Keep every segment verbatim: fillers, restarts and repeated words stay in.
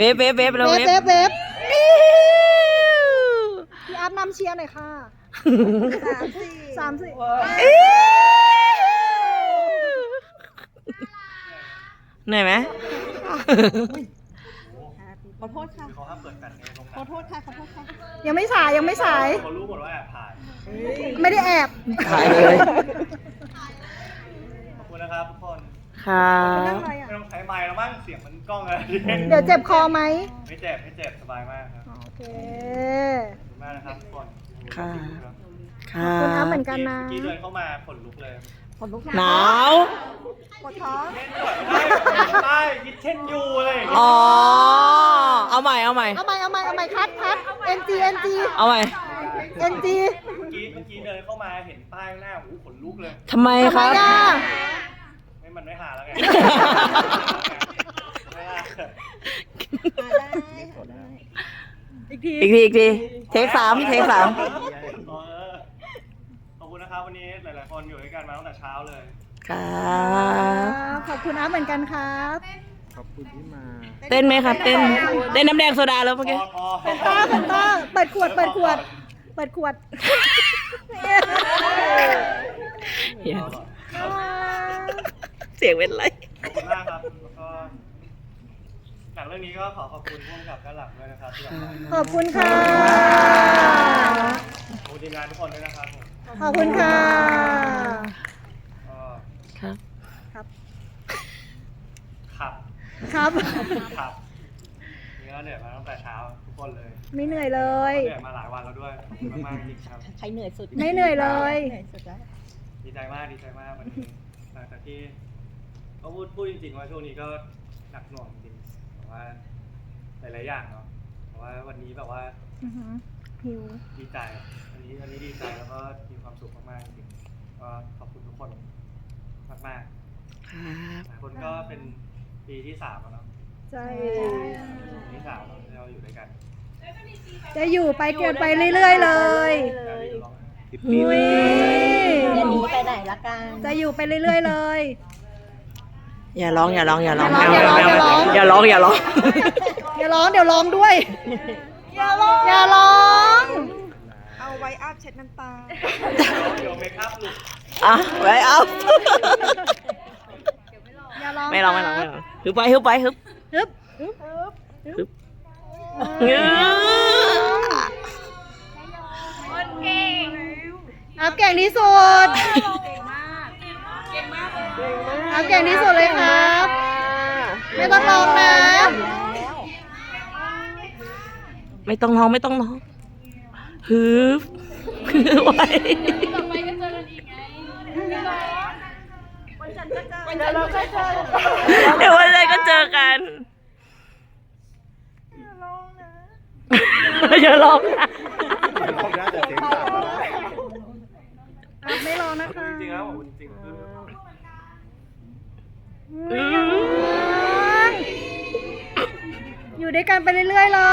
ฟเวฟเวฟเวฟเวเวฟฟเวฟเวฟพี่อัพนำเชียร์หน่อยค่ะสามสี่สามสี่เหนื่อยไหมขอโทษค่ะเขาห้ามเปิดกันขอโทษค่ะขอโทษค่ะยังไม่สายยังไม่สายเขารู้หมดว่าแอบถ่ายไม่ได้แอบถ่ายเลยขอบคุณนะครับทุกคนค่ะไม่ต้องใช้ไมค์แล้วมั้งเสียงมันกล้องอะไรเดี๋ยวเจ็บคอไหมไม่เจ็บไม่เจ็บสบายมากครับโอเคขอบคุณมากนะครับทุกคนค่ะขอบคุณอัพเหมือนกันนะเมื่อกี้เดินเข้ามาขนลุกเลยหนาวปวดท้องเล่นด้วยใช่ยิดเช่นยูอะไรอย่างเงี้ยอ๋อ เอาใหม่ เอาใหม่เอาใหม่เอาใหม่เอาใหม่คัดคัด NG NG เอาใหม่ NG เมื่อกี้เมื่อกี้เดินเข้ามาเห็นป้ายข้างหน้าโอ้โหขนลุกเลยทำไมทำคไมรับอ่ะไม่มันไม่หาแล้วไงไม่หาอีกทีอีกทีอีกทีเทคสามเทคสามเออขอบคุณนะครับวันนี้หลายๆคนอยู่ด้วยกันมาตั้งแต่เช้าเลยครับขอบคุณอัพเหมือนกันครับขอบคุณที่มาเต้นไหมครับ เต้น เต้นน้ำแดงโซดาแล้วเมื่อพกี้อพอเป็นต้าเป็นต้าเปิดขวดเปิดขวด เปิดขวดเสียงเป็นไรขอบคุณมากครับแล้วก็หนังเรื่องนี้ก็ขอขอบคุณผู้กำกับด้านหลังด้วยนะครับที่แบบมาขอบคุณค่ะขอบคุณทีมงานทุกคนด้วยนะครับผมขอบคุณค่ะก็ครับครับขับครับขับนี่ก็เหนื่อยมาตั้งแต่เช้าทุกคนเลยไม่เหนื่อยเลยเหนื่อยมาหลายวันแล้วด้วยขอบคุณมากๆจริงๆครับใครเหนื่อยสุดไม่เหนื่อยเลยเหนื่อยสุดแล้วดีใจมากดีใจมากวันนี้หลังจากที่ก็พูดพูดจริงๆว่าช่วงนี้ก็หนักหน่วงจริงแต่ว่าหลายๆอย่างเนาะแต่ว่าวันนี้แบบว่าอือหือหิวดีใจวันนี้วันนี้ดีใจแล้วก็มีความสุขมากๆจริงๆก็ขอบคุณทุกคนมากครับๆหลายคนก็เป็นปีที่สามแล้วเนาะใช่ปีที่สามแล้วที่เราอยู่ด้วยกันจะอยู่ไปเกินไปเรื่อยๆเลยแล้วที่ร้องไห้อุ้ยอย่าหนีไปไหนละกันจะอยู่ไปเรื่อยๆเลยอย่าร้องอย่าร้องอย่าร้องอย่าร้องอย่าร้องอย่าร้องอย่าร้องอย่าร้องเดี๋ยวร้องด้วย อย่าร้อง อย่าร้องเอาไว้อาบเช็ดน้ำตาเดี๋ยวเมคอัพหลุดอ่ะไว้เอาอย่าร้องไม่ร้องไม่ร้องไม่ร้องฮึบไปฮึบไปฮึบฮึบฮึบเงื้ออัพเก่งที่สุดอัพเก่งที่สุดเลยครับ ไม่ต้องร้องนะไม่ต้องร้องไม่ต้องร้องฮึบไว้เดี๋ยววันไหนก็เจอกัน อย่าร้องนะอัพไม่ร้องนะคะจริงๆแล้วผมจริงๆคืออืมอยู่ด้วยกันไปเรื่อยๆเลย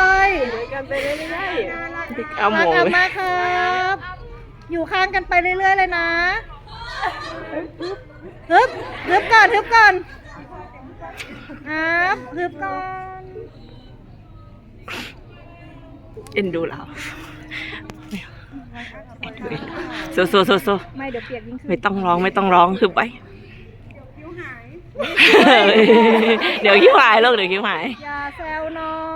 เอาหรัมูกอัพมากครับ อยู่ข้างกันไปเรื่อยๆเลยนะฮึบฮึบก่อนฮึบก่อนอัพฮึบก่อนเอ็นดูเราสู้สู้สู้สู้ไม่เดี๋ยวเปียกยิ่งขึ้นไม่ต้องร้องไม่ต้องร้องคือไปเดี๋ยวคิ้วหายลูกเดี๋ยวคิ้วหายอย่าแซวน้อง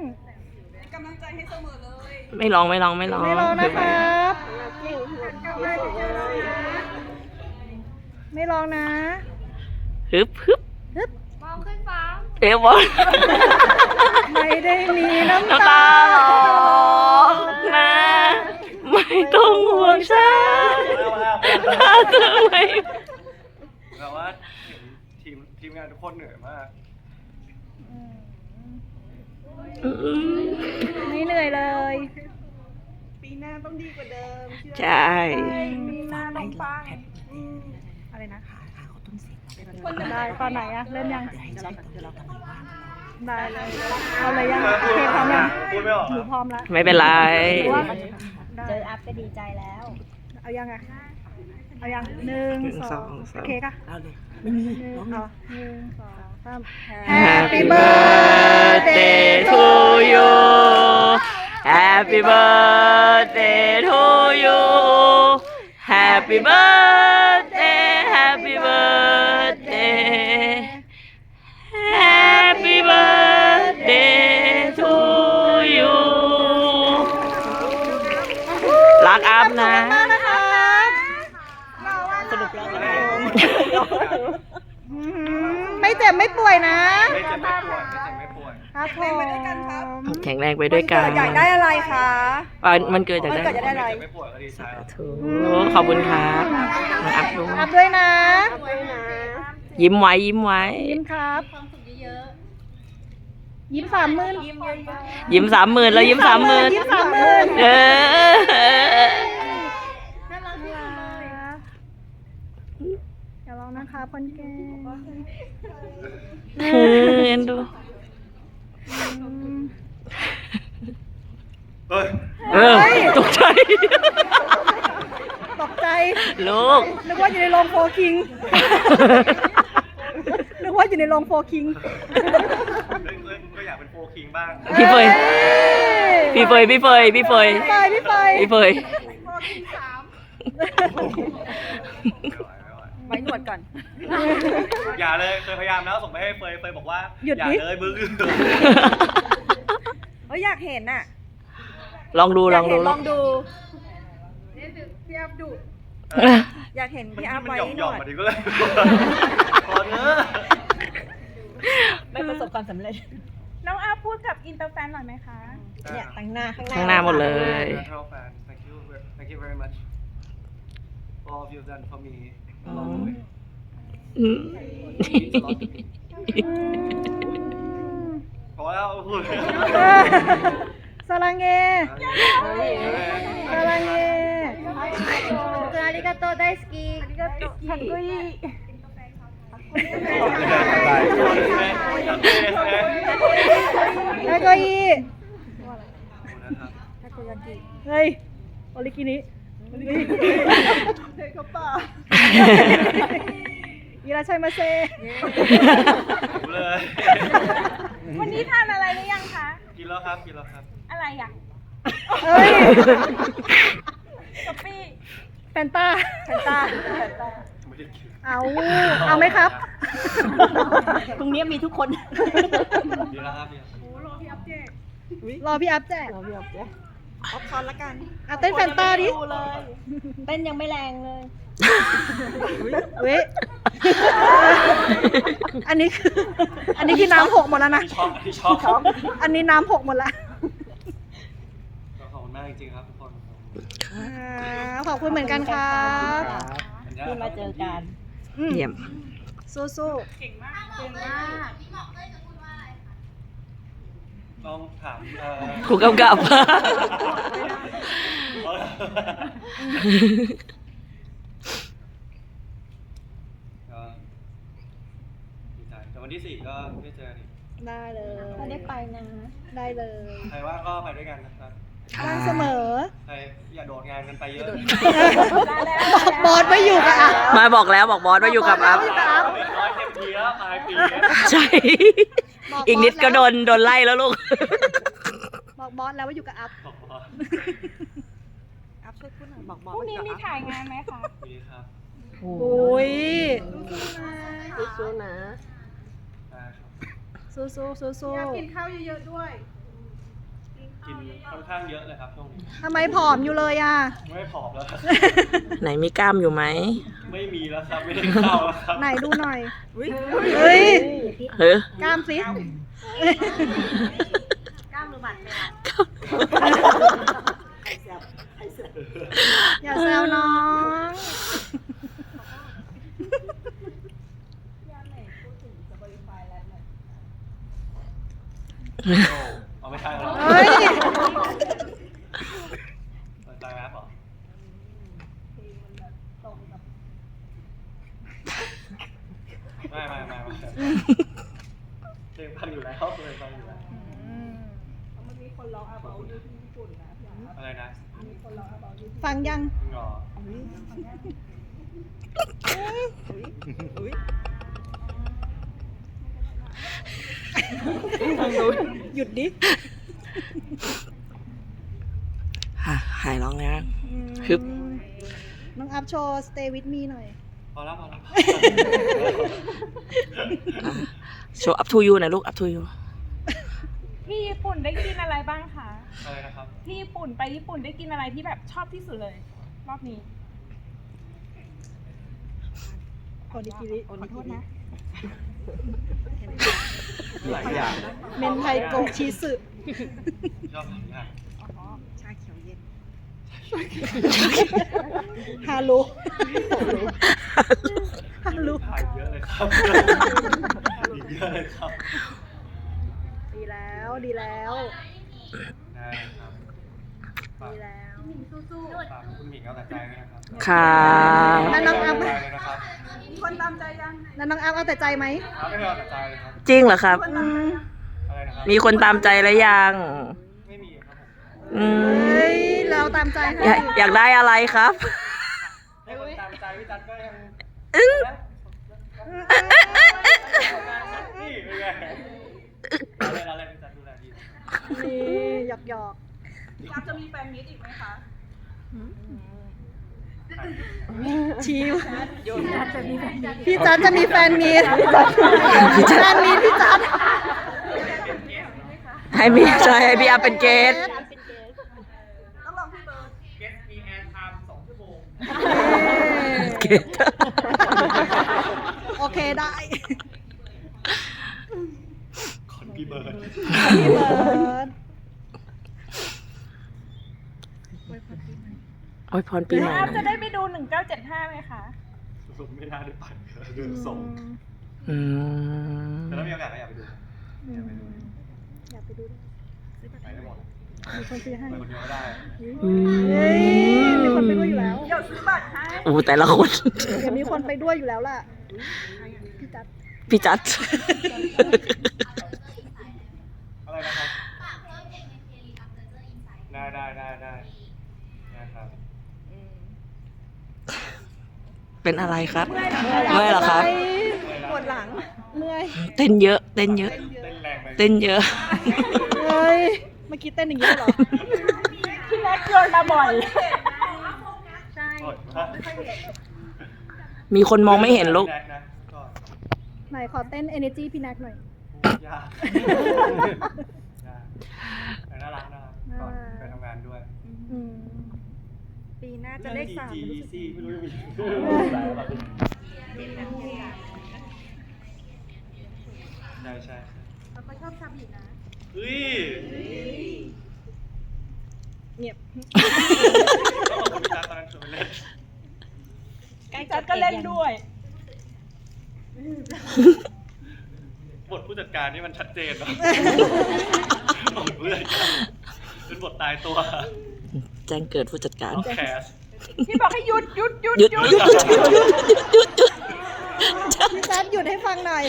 ไม่ร้องไม่ร้องไม่ร้องไม่ร้องนะคือคไปรับไม่ร้องนะฮึบฮึบฮึบเอ๋บอลไม่ได้มีน้ำน้ำตาตาหรอกนะไม่ต้องห่วงฉันถ้าเธอไม่แบบว่าเห็นทีมทีมงานทุกคนเหนื่อยมากอืมไม่เหนื่อยเลยปีหน้าต้องดีกว่าเดิมใช่มีหน้าน้องปังอะไรนะได้ตอนไหนอะเล่นยังได้เลยเอาเลยยังโอเคพร้อมยังพูดไม่ออกหนูพร้อมแล้วไม่เป็นไรหรือว่าได้เจออัพก็ดีใจแล้วเอายังอะเอายังหนึ่งหนึ่งสสออง งสามโอเคค่ะเอาเลยหนึ่งเอาหนึ่งสองสาม Happy birthday to Happy birthday to you Happy birthday Happy birthday Happy birthday to you รักอัพนะสรุปแล้วไม่เจ็บไม่ป่วยนะไม่เจ็บไม่ป่วยไม่เจ็บไม่ป่วยครับผมแข็งแรงไปด้วยกันอยากได้อะไรคะวันมันเกิดจากวันเกิดจะได้อะไรไม่เจ็บไม่ป่วยก็ดีใจแล้วถูกขอบคุณครับน้องอัพด้วยอัพด้วยนะยิ้มไว้ยิ้มไว้ยิ้มครับยิ้มสามหมื่นยิ้มสามหมื่นแล้วยิ้มสามหมื่นยิ้มสามหมื่นเออน่ารักที่สุดเลยอย่าร้องนะคะคนแก่เออเอ็นดูเฮ้ยเออตกใจตกใจลูกนึกว่าอยู่ในโรงโฟร์คิง นึกว่าอยู่ในโรงโฟร์คิงก็อยากเป็นโฟร์คิงบ้างพี่เฟยพี่เฟยพี่เฟยพี่เฟยพี่เฟยพี่เฟยพี่เฟยไว้หนวดก่อนอย่าเลยเคยพยายามแล้วส่งไปให้เฟยเฟยบอกว่าหยุดอย่าดิเลยมึงเฮ้ยอยากเห็นน่ะลองดูอลยาอก งเห็ดูนลองดูเอออยากเห็นพี่อาร์มันไว้หย่อมหหนย่อมวดมาดิก็เลยพอเถอะไม่ประสบความสำเร็จน้องอาพูดกับอินเตอร์แฟนหน่อยไหมคะเนี่ยตั้งหน้าข้างหน้าข้างหน้าหมดเลย Natural fan thank you thank you very much for all you've done for me along the way อืม Means a lot to me พอแล้วพูดสลังเงสลังเงอาริกาโตไดสกีอาริกาโตคันกุยทาโกยิเฮ้ยโอริกินิเฮ้ยเขาป่าอีราชัยมาเซเลยวันนี้ทานอะไรหรือยังคะกินแล้วครับกินแล้วครับอะไรอ่ะเฮ้ยกะปิแฟนต้าแฟนต้าไม่ได้กินเอา เอาไหมครับตรงนี้มีทุกคนดีแล้วครับดีแล้วรอพี่อัพแจกรอพี่อัพแจกออฟคอนละกันอ่ะเต้นแฟนต้าดิดูเลย เต้นยังไม่แรงเลยเว้ยอันนี้คือ อันนี้คือน้ำหกหมดแล้วนะที่ชอบที่ชอบอันนี้น้ำหกหมดละก็ขอบคุณมากจริงๆครับทุกคนอ่าขอบคุณเหมือนกันครับที่มาเจอกันอืมเยี่ยมสู้ๆเก่งมาก เก่งมากต้องถามเอ่อครูกำกับก็ดีใจแต่วันที่สี่ก็ได้เจอกันอีกได้เลยไม่ได้ไปนะได้เลยใครว่างก็ไปด้วยกันนะครับว่างเสมอใครอย่าโดดงานกันไปเยอะบอสไม่อยู่กับอ่ะมาบอกแล้วบอกบอสว่าอยู่กับอัพอีกน้อยเต็มทีแล้วปลายปีแล้วใช่ อีกนิดก็โดนโดนไล่แล้วลูกบอกบอสแล้วว่าอยู่กับอัพบอกว่าอัพช่วยพูดหน่อยบอกบอกพรุ่งนี้มีถ่ายงานไหมคะมีครับโอ้ยสู้ๆนะได้ครับสู้สู้สู้สู้กินค่อนข้างเยอะเลยครับช่วงนี้ทำไมผอมอยู่เลยอ่ะไม่ผอมแล้วครับไหนมีกล้ามอยู่ไหมไม่มีแล้วครับไม่ได้เข้าแล้วครับไหนดูหน่อย เฮ้ยเฮ้ยกล้ามสิ อย่าแซวน้องเอาไม่ใช่แล้วเฮ้ยสนใจไหมครับไม่ไม่ไม่ไม่เพลงฟังอยู่แล้วเพลงฟังอยู่แล้วอะไรนะฟังยังจริงเหรอหยุดดิหายร้องแล้วอืมฮึบน้องอัพโชว์ stay with me หน่อยพอแล้วพอแล้วโชว์ up to you หน่อยลูก up to you ที่ญี่ปุ่นได้กินอะไรบ้างคะอะไรนะครับที่ญี่ปุ่นไปญี่ปุ่นได้กินอะไรที่แบบชอบที่สุดเลย รอบนี้โอนิกิริขอโทษนะหลายอย่างเมนไทโกะชีสึชอบหลายอย่างฮารุฮารุถ่ายเยอะเลยครับอีกเยอะเลยครับดีแล้วดีแล้วได้ครับฝากดีแล้วฝากคุณหมิงเอาแต่ใจด้วยนะครับค่ะแล้วน้องอัพเาแต่ใจเลยนะครับแล้วน้องอัพเอาแต่ใจไหมเอาไม่เอาแต่ใจเลยครับจริงเหรอครับอืมอะไรนะครับมีคนตามใจแล้วยังไม่มีครับผมอืมเฮ้ยเราตามใจให้อยากอยากได้อะไรครับให้คนตามใจพี่จัดก็ยังอึ้งนี่เป็นไงอะไรอะไรพี่จัดดูแลดีนี่หยอกหยอกพี่อัพจะมีแฟนมิตอีกไหมคะชิวพี่จัดจะมีแฟนมีตแฟนมีตพี่จัดให้พี่ใช่ให้พี่อาเป็นเกสต้องลองพี่เบิร์ดเกสมีแอนไทม์สองชั่วโมงเกสโอเคได้คอนพี่เบิร์ดพี่เบิร์ดโอ้ยพรปีใหม่พี่อัพหน่จะอยได้ไปดูหนึ่งเก้าเจ็ดห้าไหมคะผมไม่น่าได้ไปเดินส่งอืมแต่ถ้ามีโอกาสก็อยากไปดูอยากไปดูอยากไปดูด้วยไปได้หมดมีคนซื้อให้ไปคนเดียวก็ได้อืเฮ้ยมีคนไปด้วยอยู่แล้วเดี๋ยวซื้อบัตรให้โอ้แต่ละคนเดี๋ยวมีคนไปด้วยอยู่แล้วล่ะพี่จัดพี่จัดอะไรนะครับได้ได้ได้ได้ได้ครับเป็นอะไรครับเมื่อยเหรอครับปวดหลังเมื่อยเต้นเยอะ เต้นเยอะเต้นแรงไปเต้นเยอะเฮ้ยเมื่อกี้เต้นอย่างนี้เหรอพี่แม็กโยนมาบ่อยโอ๊ยครับมีคนมองไม่เห็นลูกแรนะก็ไหนขอเต้น energy พี่แนักหน่อยยากยากแต่น่ารักนะครับก่อนไปทำงานด้วยอืมปีหน้าจะเลขสามจีรู้สึกซี่ไม่รู้จะมีใช่ใช่เราก็ชอบซาบินะเฮ้ยเงียบแล้วผมจัดตอนนั้นชวนไปเล่นพี่จัดก็เล่นด้วยบทผู้จัดการนี่มันชัดเจนเนาะบทผู้จัดการเป็นบทตายตัวแจ้งเกิดผู้จัดการต้องแคสพี่บอกให้หยุดหยุดหยุดหยุดหยุดหยุดหยุดหยุดหยุดหยุดหยุดพี่จัดหยุดให้ฟังหน่อย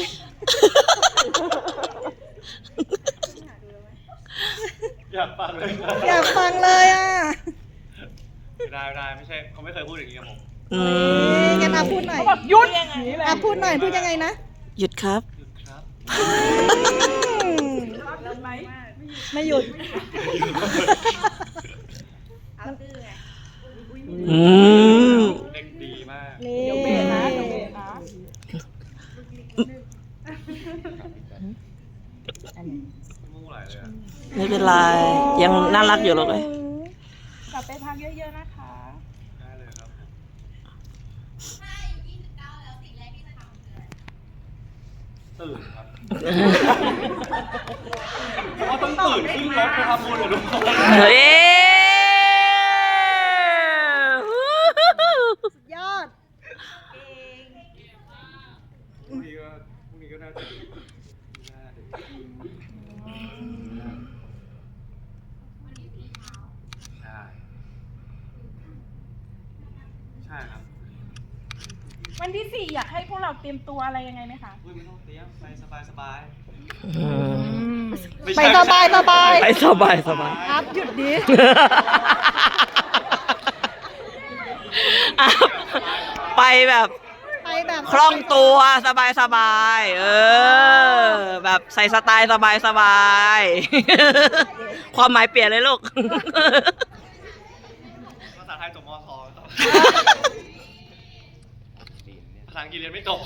อยากฟังเลยอยากฟังเลยอ่ะไม่ได้ไม่ได้ไม่ใช่เขาไม่เคยพูดอย่างนี้กับผมอืเฮ้ยมงั้นอาพูดหน่อยเขาบอกหยุดอย่างนี้เลยอาพูดหน่อยพูดยังไงนะหยุดครับหยุดครับอืมหยุดไหมไม่หยุดอืมเด็กดีมากนี่เดี๋ยวเบรกนะเดี๋ยวเบรกนะมู้ไหลเลยอะไม่เป็นไร ยังน่ารักอยู่หรอกเลยกลับไปพักเยอะๆนะคะได้เลยครับตื่นครับเพราะว่าต้องตื่นขึ้นรถไปทำบุญเหรอทุกคนเฮ้ยสุดยอดพรุ่งนี้ก็พรุ่งนี้ก็น่าจะดีน่าจะดีใช่ใช่ครับวันที่สี่อยากให้พวกเราเตรียมตัวอะไรยังไงไหมคะอุ้ยไม่ต้องเตรียมไปสบายสบายอืมม่ไปใช่สบายสบายไปสบายสบายอัพหยุดดิอ่ะไปแบบไปแบบคล่องตัวสบายสบายเออ แบบใส่สไตล์สบายสบายความหมายเปลี่ยนเลยลูกภาษาอังกฤษเรียนไม่จบ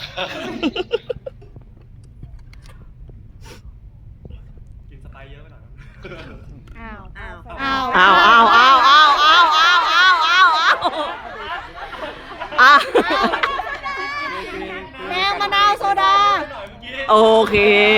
กินสไปซ์เยอะไปหน่อยครับอ้าวอ้าวอ้าวอ้าวอ้าวอ้าวอ้าวอ้าวอ้าวอ้าวอ้าวอ้าวแดงมะนาวโซดาโอเค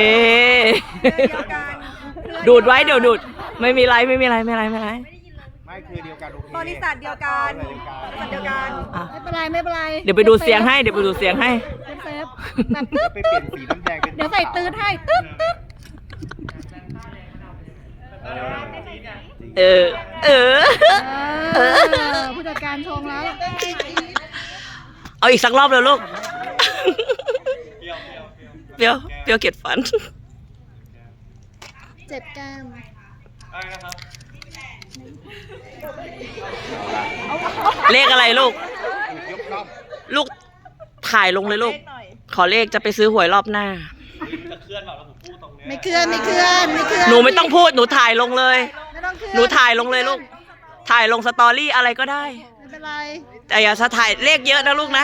ดูดไว้เดี๋ยวดูด ไม่มีไรไม่มีไรไม่มีไรไม่มีไรไม่คือเดียวกันโอเคบริษัทเดียวกันบริษัทเดียวกันอ่ะไม่เป็นไรไม่เป็นไรเดี๋ยวไปดูเสียงให้เดี๋ยวไปดูเสียงให้เซฟเซฟแบบตึ๊บไปเปลี่ยนสีน้ำแดงเป็นเดี๋ยวใส่ตืดให้ตึ๊บตึ๊บเออ เออเออผู้จัดการชงแล้วเอาอีกสักรอบเลยลูกเปรี้ยวเปรี้ยวเปรี้ยวเปรี้ยวเปรี้ยวเกล็ดฟันเจ็บแก้มอะไรนะครับเลขอะไรลูกยกล่องลูกถ่ายลงเลยลูกเลขหน่อยขอเลขจะไปซื้อหวยรอบหน้าจะเคลื่อนแบบแล้วผมพูดตรงเนี้ยไม่เคลื่อนไม่เคลื่อนไม่เคลื่อนหนูไม่ต้องพูดหนูถ่ายลงเลยไม่ต้องเคลื่อนหนูถ่ายลงเลยลูก ถ่ายลงสตอรี่อะไรก็ได้ไม่เป็นไรแต่อย่าถ่ายเลขเยอะนะลูกนะ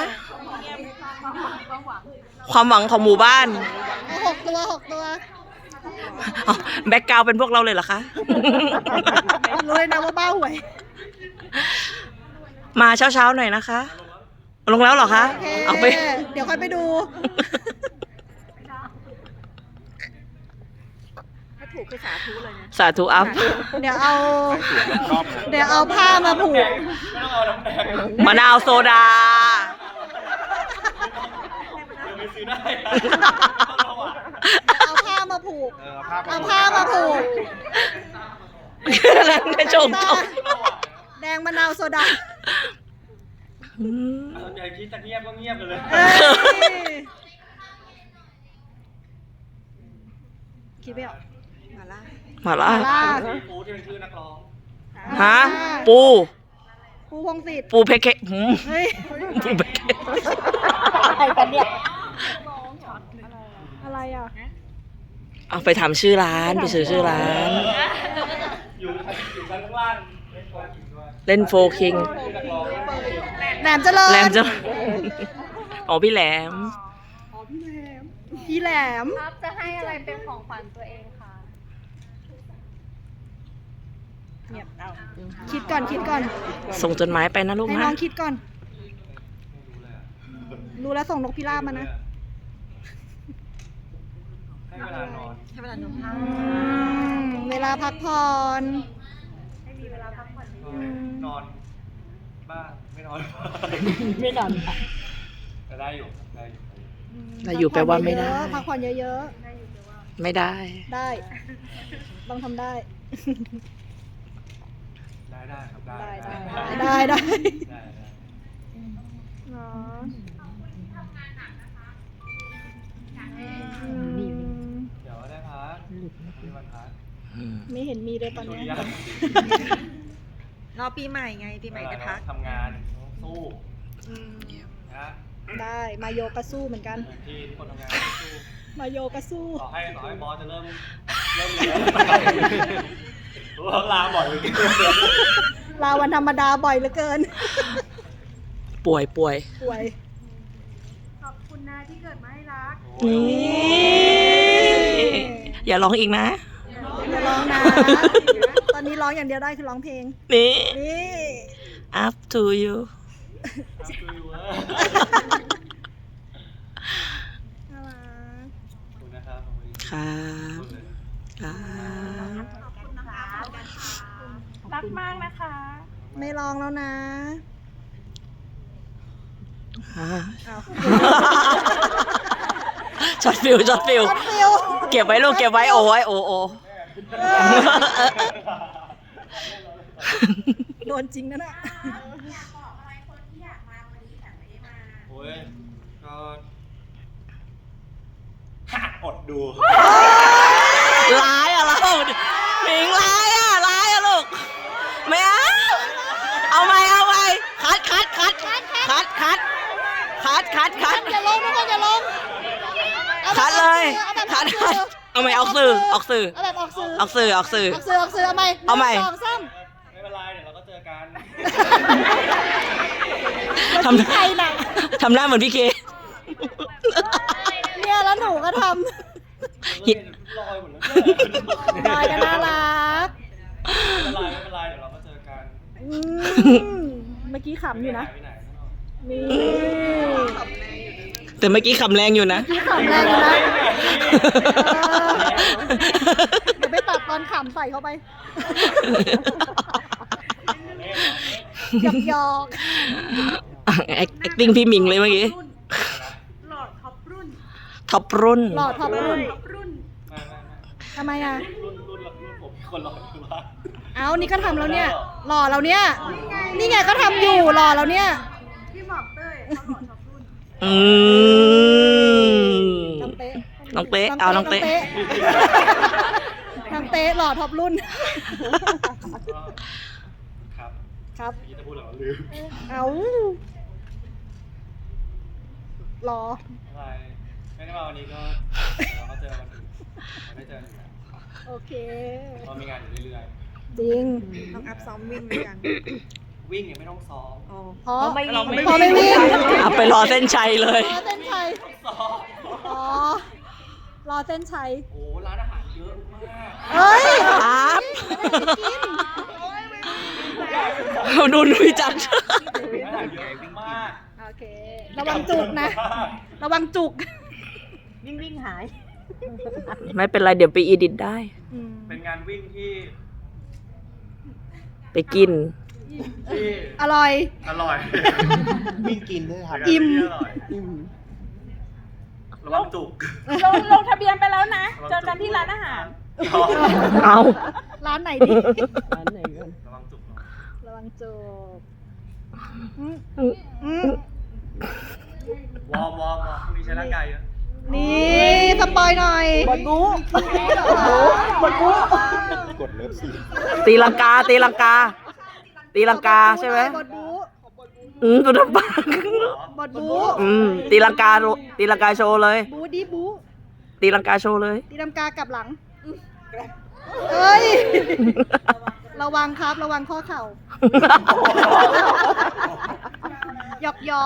ความหวังของหมู่บ้านเอาหกตัวหกตัวเอาแบ็กกราวด์เป็นพวกเราเลยเหรอคะรู้เลยนะว่าบ้าหวยมาเช้าๆหน่อยนะคะ ลงแล้วเหรอคะโอเคเอาไปเดี๋ยวค่อยไปดูถ้าถูกคือสาธุเลยนะสาธุอัพเดี๋ยวเอาชอบนะเดี๋ยวเอาผ้ามาผูกไม่ต้องเอาน้ำแดงมะนาวโซดาเดี๋ยวไปซื้อได้ต้องระวังเอาผ้ามาผูกเออผ้าเอาผ้ามาผูกแล้วจะจงจงแดงมะนาวโซดาอืมเอาใจคิดจะเงียบก็เงียบไปเลยเอ้ยคิดไม่ออกมาละมาละมาล่าซีฟู้ดที่เป็นชื่อนักร้องฮะ ปูปูพงศิษฐ์ปูเพเคหืมเฮ้ยปูเพเคอะไรกันเนี่ย อะไรอ่ะเอาไปทำชื่อร้าน ไปซื้อชื่อร้านอยู่อยู่ชั้นข้างล่างเล่นโฟกิงด้วยเล่นโฟคิงชื่อนักร้องแหลมเจริญแหลมจะอ๋อพี่แหลมพี่แหลมครับจะให้อะไรเป็นของขวัญตัวเองคะเงียบเอาคิดก่อนคิดก่อนส่งจดหมายไปนะลูกให้นะน้องคิดก่อนไม่รู้เลยอะรู้แล้วส่งนกพิราบมานะให้เวลานอนให้เวลาหนูอืมเวลาพักผ่อนนอนบ้างไม่นอนไม่นอนแต่ได้อยู่ได้อยู่แต่อยู่แปลว่าไม่ได้พักผ่อนเยอะไม่ได้ๆ ได้ ต้องทำได้ได้ได้ครับได้ได้ได้ได้ได้ได้เนาะเดี๋ยวได้พักมีวันพักไม่เห็นมีเลยตอนสุเนี้ริยยันรอปีใหม่ไง ปีใหม่ได้พักทำงานสู้อืมนะได้มาโยกะสู้เหมือนกันที่ทุกคนทำงานสู้มาโยกะสู้ต่อให้ต่อให้บอสจะเริ่มเริ่มเหนื่อยรู้ว่าลาบ่อยเลยลาวันธรรมดาบ่อยเหลือเกินป่วยป่วยป่วยขอบคุณนะที่เกิดมาให้รักนี่อย่าร้องอีกนะอย่าร้องนะ ตอนนี้ร้องอย่างเดียวได้คือร้องเพลงนี่นี่ up to you น่ารักขอบคุณนะครับครับครับรักมากนะคะไม่ร้องแล้วนะอ่าเอาช็อตฟิวช็อตฟิวช็อตฟิวเก็บไว้ลูกเก็บไว้โอ้ไว้โอ้โอ้โดนจริงนะน่ะโอ้ยก็อดดูร้ายอะเราหมิงร้ายอะร้ายอะลูกไม่เอาเอาไหมเอาไหมคัดคัดคัดคัดคัดคัดคัดคัดอย่าลงทุกคนอย่าลงอาแบบคัดเลยเอาแบบคัดออกสื่อเอาไหมออกสื่อออกสื่อเอาแบบออกสื่อออกสื่อออกสื่อออกสื่อออกสื่อเอาไหมเอาใหม่นึ่งสองสามไม่เป็นไรเดี๋ยวเราก็เจอกันทำใครหนักทำหน้าเหมือนพี่เคเนี่ยแล้วหนูก็ทหิดลอยหมดแล้วำลอยกันน่ารักไม่เป็นไรไม่เป็นไรเดี๋ยวเราก็เจอกันอืมเมื่อกี้ขำอยู่นะไปไหนนี่แต่เมื่อกี้ขำแรงอยู่นะพี่ขำแรงอยู่นะเดี๋ยวไปตัดตอนขำใส่เข้าไปหยอกหยอก acting พี่หมิงเลยเมื่อกี้หลอดท็อปรุ่นท็อปรุ่นหล่อท็อปรุ่นท็อปรุ่นไม่ไม่ไม่ทำไมอ่ะรุ่นรุ่นรุ่นผมคนรออยู่ว่าเอานี่ก็ทำแล้วเนี่ย หล่อแล้วเนี่ย นี่ไงก็ทำอยู่หล่อแล้วเนี่ยพี่บอกเต้ยเขาหลอดท็อปรุ่นอืมน้องเต๊ะน้องเต๊ะเอาน้องเต๊ะน้องเต๊ะหล่อท็อปรุ่นก็ครับครับเมื่อกี้จะพูดอะไรวะลืมเอาหล่ออะไรไม่ได้มาวันนี้ก็เราก็เจอวันอื่นเราได้เจอกันอยู่แล้วโอเคเรามีงานอยู่เรื่อยจริงต้องอัพซ้อมวิ่งด้วยกันๆวิ่งเนี่ยไม่ต้องซ้อมเพราะไม่วิ่งเพราะไม่วิ่งเอาไปรอเส้นชัยเลยรอเส้นชัยซ้อมอ๋อ รอเส้นชัยโอ้ร้านอาหารเยอะมากเฮ้ยครับไม่ได้ไปกินดูนุ้ยจัดร้านอาหารเยอะมากโอเค ระวังจุกนะ ระวังจุกวิ่งวิ่งหายไม่เป็นไรเดี๋ยวไปอีดิทได้อืมเป็นงานวิ่งที่ไปกินที่อร่อยอร่อยวิ่งกินด้วยครับอิ่มที่อร่อยระวังจุกลงลงทะเบียนไปแล้วนะ เจอกันที่ร้านอาหารเอาร้านไหนดีระวังจุกเนาะระวังจุกอืมอืมอืมวอร์มวอร์มวอร์มพรุ่งนี้ใช้ร่างกายเยอะนี่สปอยหน่อยบดบูบดบูกดเลิฟซีนตีลังกา ตีลังกา ตีลังกาใช่ไหมบดบูอืมตัวปากบดบูอืมตีลังกาโรตีลังกาโชว์เลยบูดีบูตีลังกาโชว์เลยตีลำกากลับหลังเอ้ย ระวังครับ ระวังข้อเข่า หยอกหยอก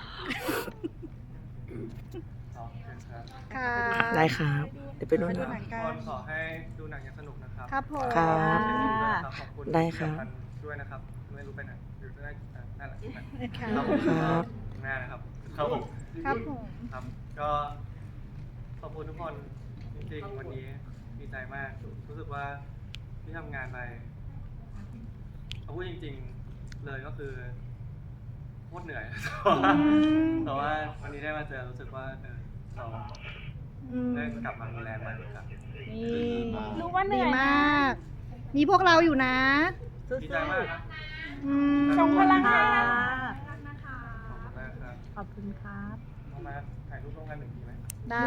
เนาะเป็นครับค่ะได้ครับ เดี๋ยวไปดูไปดูนะหนังทุกกัคน นขอให้ดูหนังอย่างสนุกนะครับครับผมครับขอบคุณได้ครับด้วยนะครับ ไม่รู้ไปไหนอยู่ได้อ่ะนั่นแหละค่ะครับผมครับแม่นะครับครับผมครับผมครับ ก็ขอบคุณทุกคนจริงๆวันนี้ดีใจมาก รู้สึกว่าที่ทำงานไปเอาพูดจริง ๆ เลยก็คือโคตรเหนื่อย แต่ว่าวันนี้ได้มาเจอรู้สึกว่าเออเราอืมได้กลับมามีแรงใหม่อีกครั้งนี่รู้ว่าเหดีนื่อยมาก มีพวกเราอยู่นะดีใจมากครับอืมส่งพลังขงาอบนคุณมากครับขอบคุณครับเอามาถ่ายรูปร่วมกันหนึ่งทีไหมได้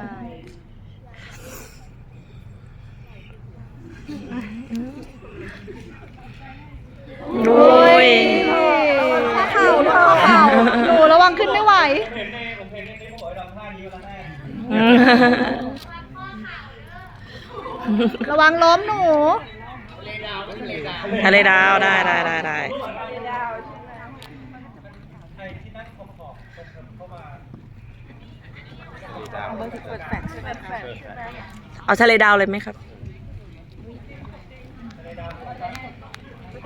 โอ้ยข้อเข่าข้อเข่าหนูระวังขึ้นไม่ไหวผมเห็นในผมเห็นในนี้ผมบอกให้ทำท่านี้มาแล้วแม่ระวังล้มหนูทะเลดาวได้ได้ได้ได้ใครที่นั่งขอบขอบๆเข้ามาเปิดแฟลชใช่ไหมคะเอาทะเลดาวเลยไหมครับ